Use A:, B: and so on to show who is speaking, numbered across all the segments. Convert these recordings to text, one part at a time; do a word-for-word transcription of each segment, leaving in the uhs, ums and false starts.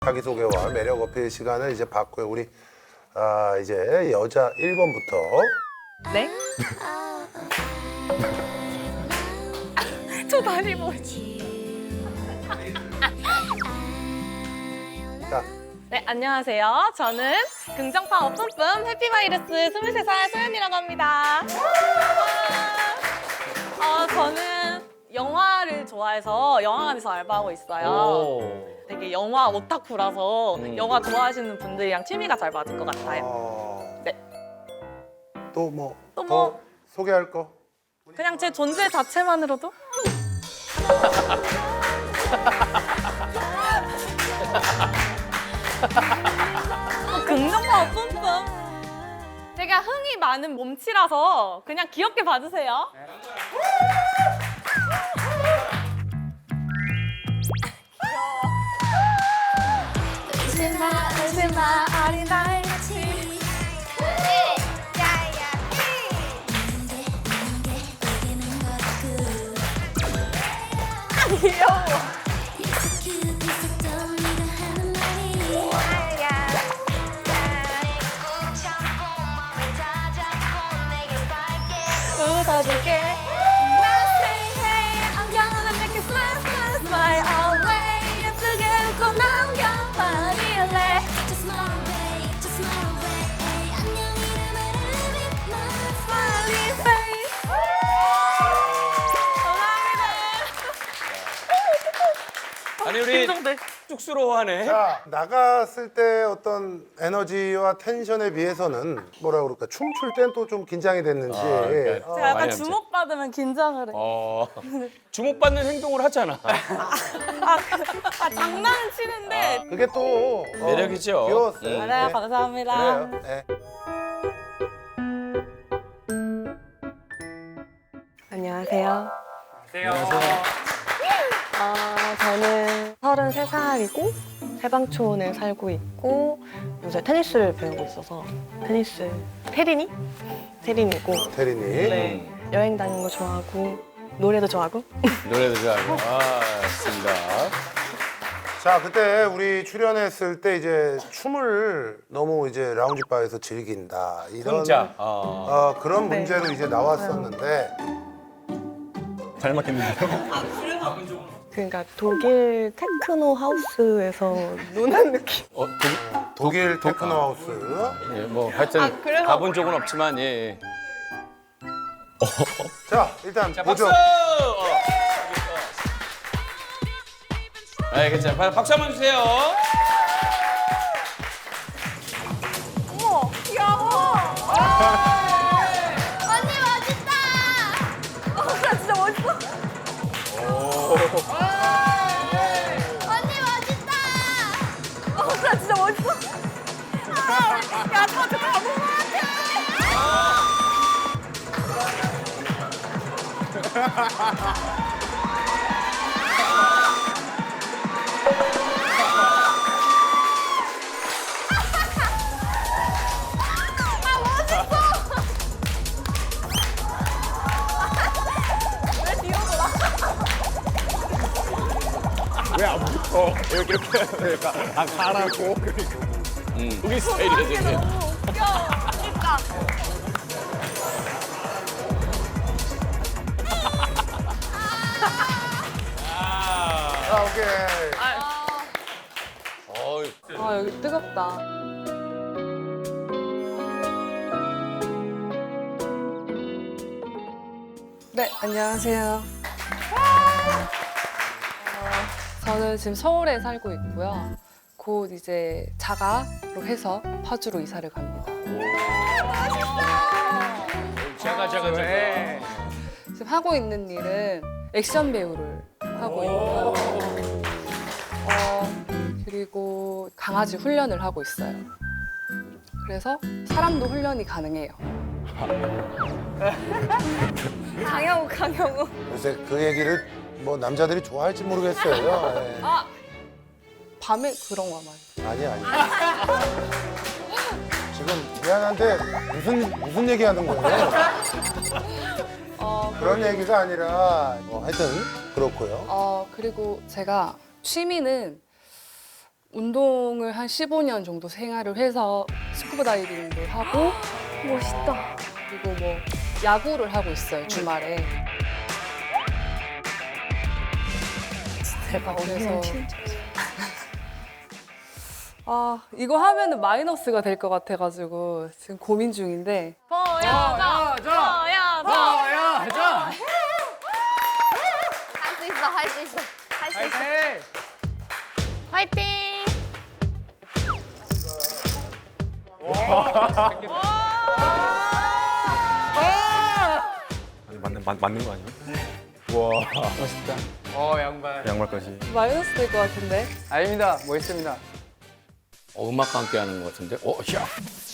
A: 자기소개와 매력 어필 시간을 이제 받고요. 우리 아, 이제 여자 일 번부터.
B: 네? 저 다리 뭐지?
A: 자,
B: 네, 안녕하세요. 저는 긍정파워 뿜뿜 해피바이러스 스물세 살 소연이라고 합니다. 어, 저는 영화를 좋아해서 영화관에서 알바하고 있어요.
C: 오.
B: 되게 영화 오타쿠라서
C: 음.
B: 영화 좋아하시는 분들이랑 취미가 잘 맞을 것 같아요.
A: 어...
B: 네.
A: 또 뭐
B: 또
A: 더
B: 뭐?
A: 소개할 거?
B: 그냥 제 존재 자체만으로도 긍정파워 뿜뿜. 제가 흥이 많은 몸치라서 그냥 귀엽게 봐주세요. 울지마 울지마 어린아이 같이. 귀여워. 웃어줄게. I'm gonna make you smile, smile, smile away. 예쁘게 웃고 남겨버릴래.
D: Just smile away, just smile away. 안녕이란 말을 with my
B: Smiley face. 감사합니다.
C: 아니 우리
B: 감동돼.
C: 쑥스러워하네.
A: 자, 나갔을 때 어떤 에너지와 텐션에 비해서는 뭐라 그럴까? 춤출 땐 또 좀 긴장이 됐는지.
C: 아, 그러니까
A: 어,
B: 제가 약간
C: 많이
B: 주목받으면 긴장을 해.
C: 어. 주목받는 행동을 하잖아.
B: 아, 그- 아 장난은 치는데.
A: 그게 또 어,
C: 매력이죠.
A: 귀여웠어요.
C: 음.
B: 알아요,
A: 네.
B: 감사합니다.
A: 그래요. 네.
E: 안녕하세요. 어, 저는 서른세 살이고 해방촌에 살고 있고 요새 테니스를 배우고 있어서 테니스 테린이? 테린이고
A: 태린이.
E: 네, 여행 다니는 거 좋아하고 노래도 좋아하고
C: 노래도 좋아하고. 아, 좋습니다.
A: 자, 그때 우리 출연했을 때 이제 춤을 너무 이제 라운지 바에서 즐긴다. 이런
C: 혼자. 어.
A: 어, 그런
E: 네.
A: 문제로 이제 나왔었는데
C: 잘 맞겠는데요?
E: 그러니까 독일 테크노 하우스에서 노는 느낌.
C: 어, 도,
A: 독일 테크노 하우스.
C: 예, 뭐 하여튼
E: 아, 그래서-
C: 가본 적은 없지만 예. 예.
A: 자, 일단
C: 자,
A: 보죠.
C: 박수! 어. 아, 괜찮아. 박- 박수 한번 주세요.
B: 어머, 귀여워.
D: 언니 멋있다.
B: 어, 나 진짜 멋있어.
D: 언니 멋있다.
B: 어, 나 진짜 멋있어. 아, 야, 저 진짜 바보 같아. 왜 뒤로 돌아?
C: 이렇게 이렇게 아 가라고. 음. 우리 스타일이야
B: 이게
C: 되게.
B: 너무 웃겨. 그러니까.
A: 아, 오케이.
C: 어이.
E: 아 여기 뜨겁다.
F: 네, 안녕하세요. 어, 저는 지금 서울에 살고 있고요. 곧 이제 자가로 해서 파주로 이사를 갑니다.
C: 자가 자가 자가.
F: 지금 하고 있는 일은 액션 배우를 하고 있고요. 어, 그리고 강아지 훈련을 하고 있어요. 그래서 사람도 훈련이 가능해요.
B: 강영우, 강영우.
A: 요새 그 얘기를 뭐 남자들이 좋아할지 모르겠어요. 예.
F: 아! 밤에 그런 거 많이.
A: 아니 아니. 지금 미안한데 무슨 무슨 얘기하는 거예요?
F: 어,
A: 그런 얘기가 아니라 뭐 하여튼 그렇고요.
F: 어, 그리고 제가 취미는 운동을 한 십오 년 정도 생활을 해서 스쿠버 다이빙도 하고
B: 멋있다.
F: 그리고 뭐 야구를 하고 있어요 주말에.
B: 대박.
F: 그래서 아 이거 하면은 마이너스가 될 것 같아가지고 지금 고민 중인데
B: 보여줘. 보여줘.
C: 보여줘.
B: 할 수 있어. 할 수 있어. 할 수 있어. 화이팅.
G: 아니, 맞는 맞, 맞는 거 아니야? 우와 멋있다.
C: 어 양말.
G: 양말까지.
F: 마이너스 될 것 같은데.
H: 아닙니다. 멋있습니다.
C: 어, 음악과 함께 하는 것 같은데. 어, 야.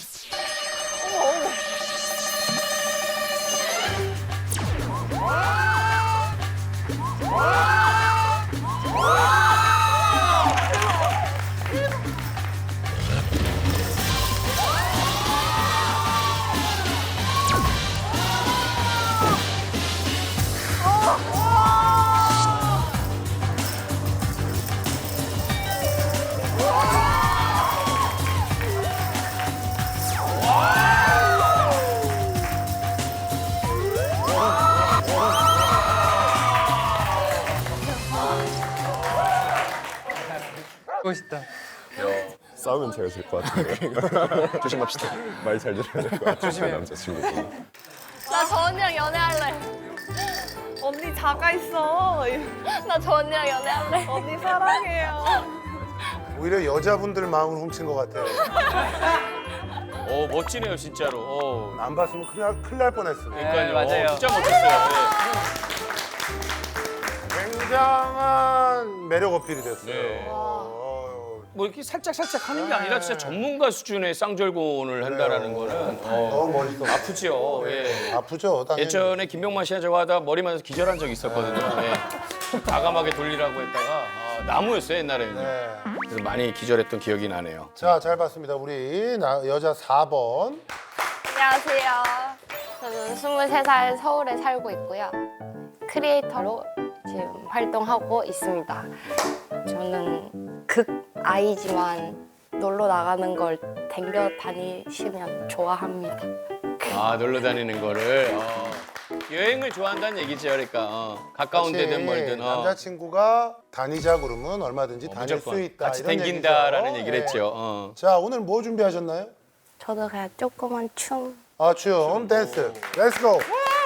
H: 멋있다.
G: 싸우면 제가 질 것 같은데. 조심합시다. 말 잘 들어야 될 것 같아요.
H: 조심해요.
G: 남자친구.
B: 나 저 언니랑 연애할래.
E: 언니 자가 있어.
B: 나 저 언니랑 연애할래.
E: 언니 사랑해요.
A: 오히려 여자분들 마음을 훔친 것 같아.
C: 어, 멋지네요, 진짜로. 어.
A: 안 봤으면 큰일, 날- 큰일 날 뻔했어.
C: 그러니까요.
H: 네, 맞아요.
C: 어, 진짜 멋졌어요.
A: 굉장한 매력 어필이 됐어요.
C: 네.
A: 어,
C: 뭐 이렇게 살짝 살짝 하는 게 아니라 진짜 전문가 수준의 쌍절곤을 한다라는 거는 어,
A: 너무 멋있어.
C: 아프죠. 예.
A: 아프죠, 당연히.
C: 예전에 김병만 씨가 저거 하다 머리 맞아서 기절한 적이 있었거든요. 예. 과감하게 돌리라고 했다가 아, 나무였어요 옛날에는.
A: 네.
C: 그래서 많이 기절했던 기억이 나네요.
A: 자, 잘 봤습니다. 우리 나- 여자 사 번.
B: 안녕하세요. 저는 스물세 살 서울에 살고 있고요. 크리에이터로 지금 활동하고 있습니다. 저는 극 아이지만 놀러 나가는 걸 댕겨 다니시면 좋아합니다.
C: 아 놀러 다니는 거를 어. 여행을 좋아한다는 얘기죠, 그러니까 어. 가까운
A: 그렇지.
C: 데든 멀든 어.
A: 남자친구가 다니자 그러면 얼마든지
C: 어,
A: 다닐
C: 무조건
A: 수 있다.
C: 같이
A: 이런
C: 댕긴다라는
A: 얘기죠.
C: 얘기를
A: 네.
C: 했죠. 어.
A: 자, 오늘 뭐 준비하셨나요?
B: 저도 그냥 조그만 춤.
A: 아, 춤, 댄스. 렛츠 고.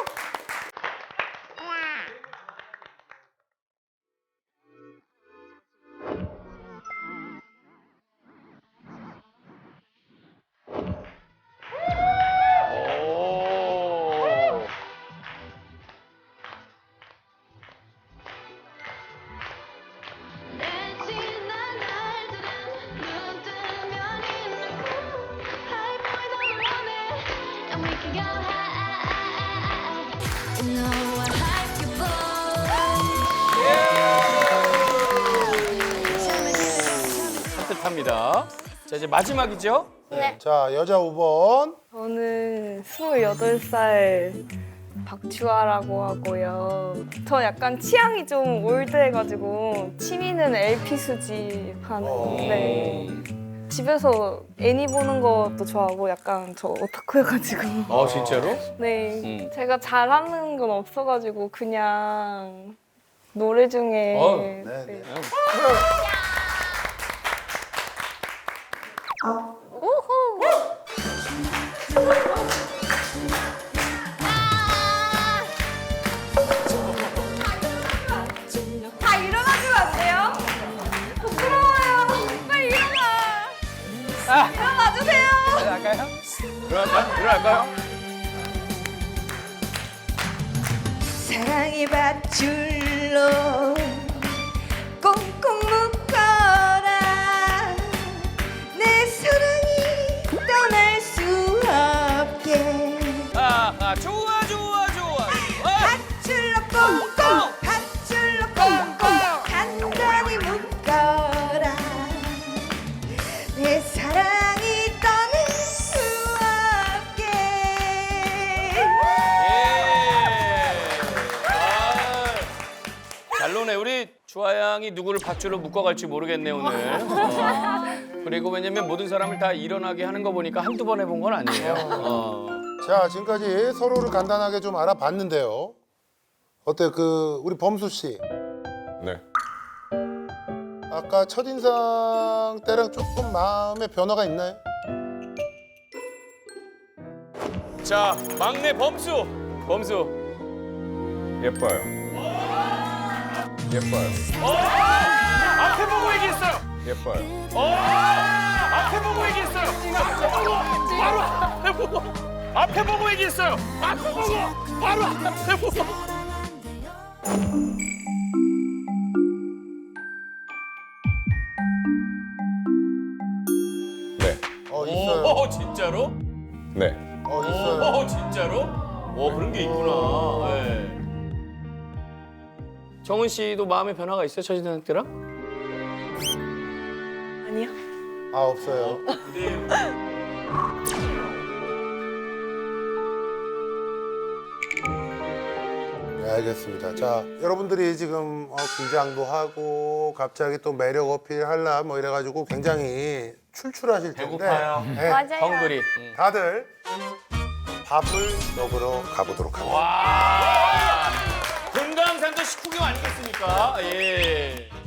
C: 오.
D: 내 지난 날들은 눈 뜨면 있는 꿈 High point 너무 원해 And we can go high You know I like you boy
C: 산뜻합니다. 자 이제 마지막이죠.
B: 네.
A: 자, 여자 오 번.
E: 저는 스물여덟 살 박주아라고 하고요. 저 약간 취향이 좀 올드해가지고 취미는 엘피 수집하는 건데 집에서 애니 보는 것도 좋아하고 약간 저 오타쿠여가지고
C: 어 진짜로?
E: 네
C: 음.
E: 제가 잘하는 건 없어가지고 그냥 노래 중에
C: 어,
A: 네, 네.
B: 다 일어나주면 안 돼요? 부끄러워요. 빨리 일어나. 일어나 주세요.
H: 할까요?
C: 들어갈까요? 들어갈까요?
I: 사랑의 밧줄로 꽁꽁 묶어라 내 사랑이 떠날 수 없게
C: 아, 아 좋아 좋아 좋아. 아,
I: 밧줄로 꽁꽁 밧줄로 꽁꽁 단단히 묶어라 내 사랑이 떠날 수 없게
C: 예. 아, 잘 노네. 우리 주아 양이 누구를 밧줄로 묶어갈지 모르겠네 오늘. 어. 그리고 왜냐면 모든 사람을 다 일어나게 하는 거 보니까 한두 번 해본 건 아니에요. 어.
A: 자, 지금까지 서로를 간단하게 좀 알아봤는데요. 어때 그 우리 범수 씨
G: 네.
A: 아까 첫인상 때랑 조금 마음의 변화가 있나요?
C: 자 막내 범수. 범수.
G: 예뻐요. 예뻐요.
C: 앞에 보고 얘기했어요.
G: 예뻐요.
C: 앞에 보고 얘기했어요. 바로 앞에 보고. 앞에 보고 얘기했어요. 앞에 보고. 바로 앞에 보고.
G: 네.
A: 어, 있어요.
C: 오 진짜로?
G: 네.
A: 어, 있어요.
C: 오 진짜로? 오 그런 게 있구나. 네. 정은 씨도 마음의 변화가 있어요 첫인상 때랑?
E: 아니요.
A: 아, 없어요. 네, 알겠습니다. 자, 여러분들이 지금 어, 긴장도 하고 갑자기 또 매력 어필하려 뭐 이래가지고 굉장히 출출하실 텐데
C: 배고파요.
A: 네,
B: 맞아요.
C: 헝그리. 응.
A: 다들 밥을 먹으러 가보도록 하겠습니다.
C: 와. 금강산도 식후경 아니겠습니까? 예.